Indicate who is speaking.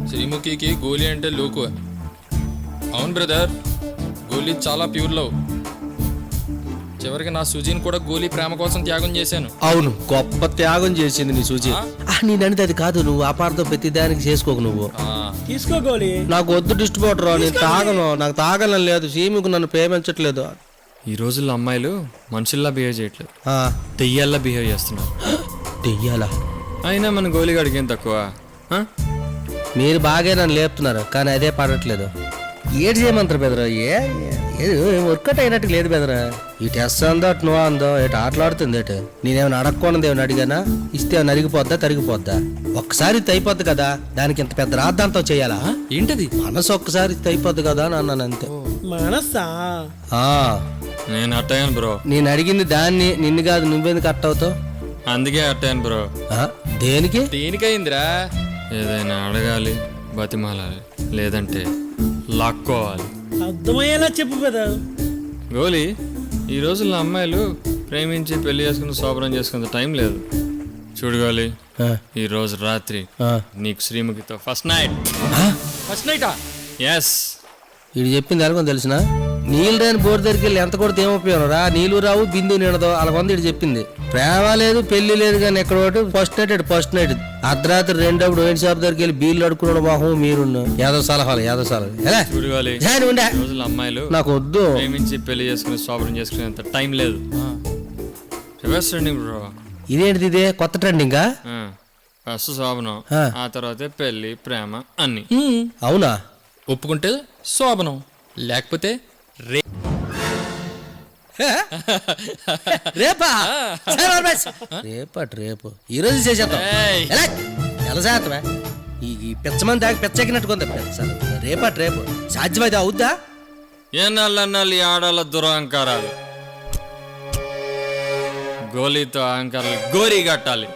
Speaker 1: శ్రీముఖికి గోలీ అంటే లోకు. అవును బ్రదర్, గోలీ చాలా ప్యూర్ లవ్. చివరికి నా సుజీని కూడా గోలీ ప్రేమ కోసం త్యాగం చేశాను.
Speaker 2: అవును, గొప్ప త్యాగం చేసింది నీ సూచి. నేను అది కాదు, నువ్వు అపార్థం ప్రతి దానికి చేసుకోకు. నువ్వు
Speaker 3: తీసుకో గోలీ.
Speaker 2: నాకు వద్దు డిస్ట్రిబ్యూటర్, నేను తాగను, నాకు తాగలని లేదు. సీముకు నన్ను ప్రేమించట్లేదు.
Speaker 4: ఈ రోజుల్లో అమ్మాయిలు మనుషుల్లా బిహేవ్ చేయట్లేదు, దెయ్యాల్లా బిహేవ్ చేస్తున్నారు.
Speaker 2: దెయ్యాలా?
Speaker 4: అయినా మన గోలిగాడికి ఏం తక్కువ?
Speaker 2: మీరు బాగా నన్ను లేపుతున్నారు, కానీ అదే పడట్లేదు. ఏడు చేయమంటారు బెదరా? వర్కౌట్ అయినట్టు లేదు బెదరా. ఇటు ఎస్ అందో అటు నో అందో, ఇటు ఆటలాడుతుంది. ఏటు నేనేమైనా అడగకూడదు, ఏమైనా అడిగానా? ఇస్తే ఏమైనా అరిగిపోద్దా తరిగిపోద్దా? ఒక్కసారి ఇది అయిపోద్ది కదా, దానికి ఇంత పెద్ద రాద్దాంతో చేయాలా?
Speaker 1: ఏంటది?
Speaker 2: మనసు ఒక్కసారి ఇది అయిపోద్ది కదా అని అన్నాను అంతే.
Speaker 3: మనసా?
Speaker 4: నేను అట్టయ్యాను బ్రో.
Speaker 2: నేను అడిగింది దాన్ని, నిన్ను కాదు. నువ్వెందుకు కట్ అవుతావు?
Speaker 4: అందుకే అట్టయ్యాను బ్రో.
Speaker 2: దేనికి?
Speaker 1: దేనికైందిరా?
Speaker 4: ఏదైనా అడగాలి, బతిమాలాలి, లేదంటే లాక్కోవాలి.
Speaker 3: అర్థమయ్యేలా చెప్పు కదా.
Speaker 4: గోలీ, ఈ రోజుల్లో అమ్మాయిలు ప్రేమించి పెళ్లి చేసుకుని శోభనం చేసుకునే టైం లేదు. చూడు గోలీ, ఈ రోజు రాత్రి నీకు శ్రీముఖితో ఫస్ట్ నైట్.
Speaker 1: ఫస్ట్ నైటా?
Speaker 4: ఎస్.
Speaker 2: ఇది చెప్పింది ఎలాగో తెలిసిన. నీళ్ళు రాని బోర్డు దగ్గరికి వెళ్ళి ఎంత కొడితే ఏం ఉపయోగం రా? నీళ్ళు రావు, బిందు నిండదు, అలా కొంది ఇటు చెప్పింది. ప్రేమ లేదు, పెళ్లి లేదు, కానీ ఎక్కడ ఒకటి ఫస్ట్ నైట్ అర్ధరాత్రి రెండప్పుడు వైన్ షాప్ దగ్గరికి వెళ్ళి బీర్లు అడుకున్నాడు. మొహం మీరు యాదవ సలహాలు
Speaker 4: చూడు గోలీ, ఈ రోజుల్లో అమ్మాయిలు
Speaker 2: నాకు వద్దు.
Speaker 4: ప్రేమించి పెళ్లి చేసుకుని శోభనం చేసుకునేంత టైం లేదు. Reverse trending bro.
Speaker 2: ఇదేంటిది? ఇదే కొత్త ట్రెండింగా?
Speaker 4: ఫస్ట్ శోభనం, ఆ తర్వాతే పెళ్లి, ప్రేమ అన్ని.
Speaker 2: అవునా?
Speaker 1: ఒప్పుకుంటే శోభనం, లేకపోతే
Speaker 2: రేపా? రేపు ఈ రోజు చేసేద్దాం. ఎలా చేస్తావా? ఈ పెచ్చమని దాకా పెచ్చెక్కినట్టుకుందా పెచ్చ. రేపు సాధ్యమైతే అవుద్దా?
Speaker 4: ఏనాళ్ళన్నాళ్ళు ఈ ఆడాల దురహంకారాలు. గోలీతో అహంకారాలు గోరీ కట్టాలి.